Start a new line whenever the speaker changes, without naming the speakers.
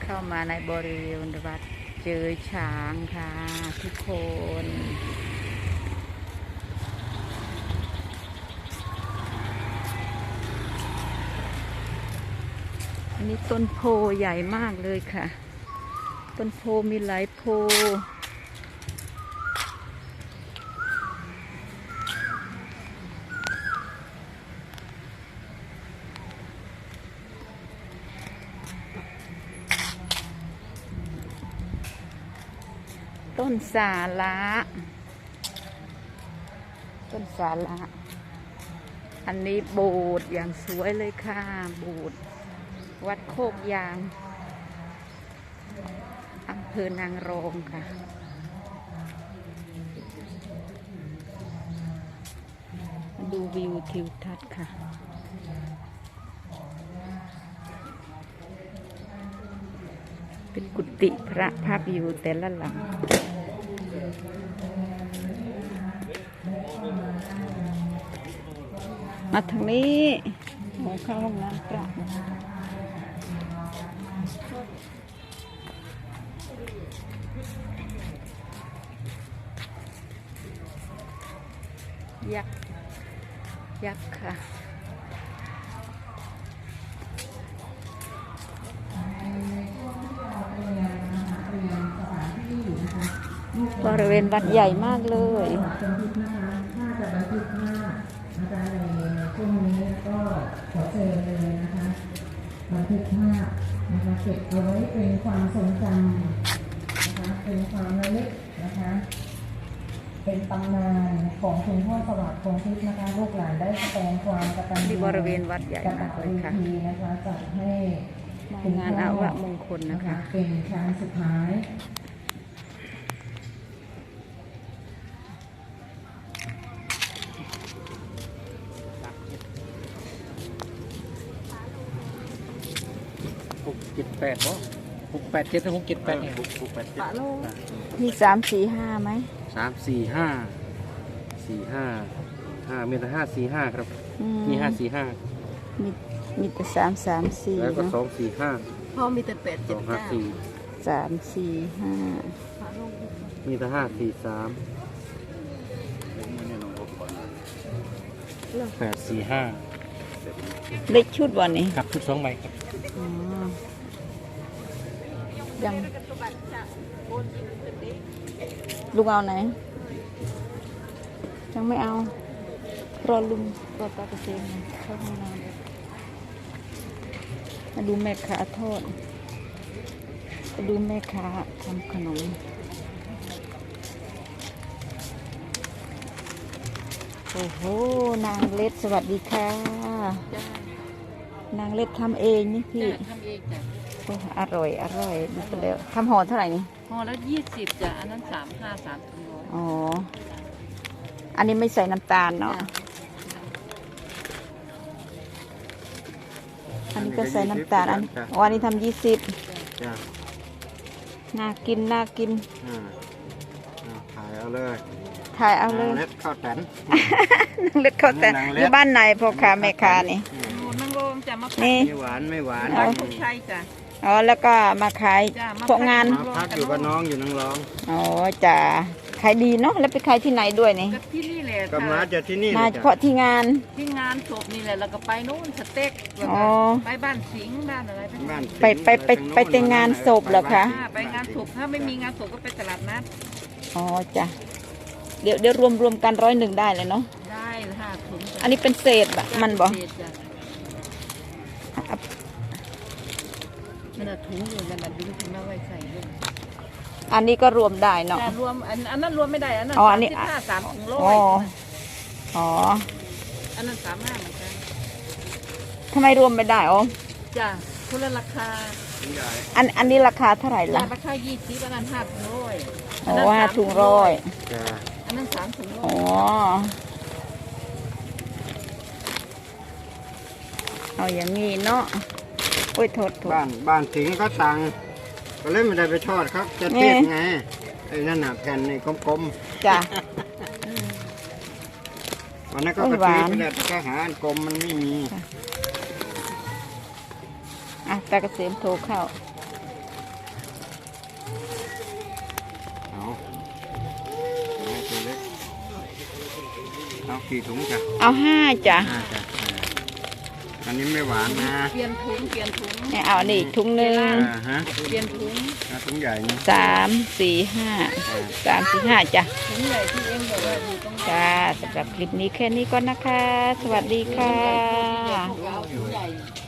เข้ามาในบริเวณวัดเจอช้างค่ะทุกคนอันนี้ต้นโพใหญ่มากเลยค่ะต้นโพมีหลายโพต้นสาระอันนี้โบสถ์อย่างสวยเลยค่ะโบสถ์วัดโคกยางอำเภอนางรองค่ะดูวิวทิวทัศน์ค่ะเป็นกุฏิพระภาพอยู่แต่ละหลังมาทางนี้เข้าห้องน้ำพระยักษ์ค่ะบริเวณวัดใหญ่มากเลย
ถ้าจะบันทึกภาพนะคะในช่วงนี้ก็ขอเชิญเลยนะคะบันทึกภาพนะคะเก็บเอาไว้เป็นความทรงจำนะคะเป็นความระลึกนะคะเป็นตำนานของคุณพ่อสวัสดิ์คงทิพย์นะคะลูกหลานได้แสดงความกตัญญู
ที่บริเวณวัดใหญ่มากเลยค่ะ
นะคะจัดให้
งานอาวะมงคลนะคะ
เป็นครั้งสุดท้าย
678บ่687ถึง678เนี่ย
ปะโลมี3-4-5ไหม
34545มีแต่545ครับมี545
มีแต่3-3-4
แล้วก็245
พ่อมีแต่
879
3-4-5
มีแต่543 845
เล็กชุดวันนี้
ครับชุด2ใบครับ
ยังลุงเอาไหนยังไม่เอารอลุงรอตาเกษมเข้าห้องน้ำมาดูแม่ค้าทอดมาดูแม่ค้าทำขนมโอ้โหนางเล็ดสวัสดีค่ะนางเล็ดทำเองนี่พี่
ทำเองจ้ะ
อร่อยดูไปแล้วทำห่อเท่าไหร่นี่
ห่อละ20จ้ะอันนั้น35-300
อ๋ออันนี้ไม่ใส่น้ำตาลเนาะอันนี้ก็ใส่น้ำตาลอันนี้ทำ20น่ากิน
ถ่ายเอาเลยเล็ดข้าวแตน
นางเล็ดข้าวแตนอยู่บ้านไหนพ่อค้าแม่ค้านี่
นางโรงจ้ะมา
นี่
ไม่หวาน
ใช่จ้ะ
อ๋อแล้วก็มาขายพวกงาน
พักอยู่กับน้องอยู่นางรอง
อ๋อจ้ะขายดีเนาะแล้วไปขายที่ไหนด้วยนี่
ที่นี่แหละ
ก็มาจากที่นี่
มาเฉพาะที่งาน
ศพนี่แหละแล้วก็ไปโน่นสเต็กไปบ้านสิงห์บ้านอะไร
ไปแต่งงานศพเหรอคะ
ไปงานศพถ้าไม่มีงานศพก็ไปตลาดนัด
อ๋อจ้ะเดี๋ยวรวมกัน101ได้เลยเนาะ
ได้5 ถุง
อันนี้เป็นเศษบะมันบอก
มันถุงอยู่มันดึงถุงเอาไว้ใส่ด้วย
อันนี้ก็รวมได้เนาะ
รวมอันนั้นรวมไม่ได้อันนั้น35 3 ถุง100
อ๋อ
อันนั้น35เหมือนกัน
ทำไมรวมไม่ได้อ๋อ
จ้ะคนละราคา
อันนี้ราคาเท่าไหร่ล่ะ
ราคา20อันนั้น5 ถุง100
อ๋อ5 ถุง100
อันนั้น3 ถุง100
อ๋อเอาอย่างนี้เนาะโอ้ยโทษ
บ้านสิงก็ตังก็เลยไม่ได้ไปทอดครับจะเทียบไงไอ้นั่นน่ะแผ่นในกลม
ๆจ้ะ
วันนั้นก็กระตือไปแล้วก็หาอันกลมมันไม่มี
ตาเกษมโทรเข้า
เอากี่ถุงจ้ะ
เอา5จ้ะ
จ้ะอันนี้ไม่หวานนะ
เปลี่ยนถุงเปลี่ยนถุง
เนี่ยเอานี่ถุงหนึ่ง
ฮะ
เปลี่ยนถุง
ถุงใหญ่นี่
3 4 5 3 4 5จ้ะ
ถุงใหญ่ที่เองบอกว่าอยู่ตรงไหน
จ้าสำหรับคลิปนี้แค่นี้ก่อนนะคะ สวัสดีค่ะ
ถุงใหญ่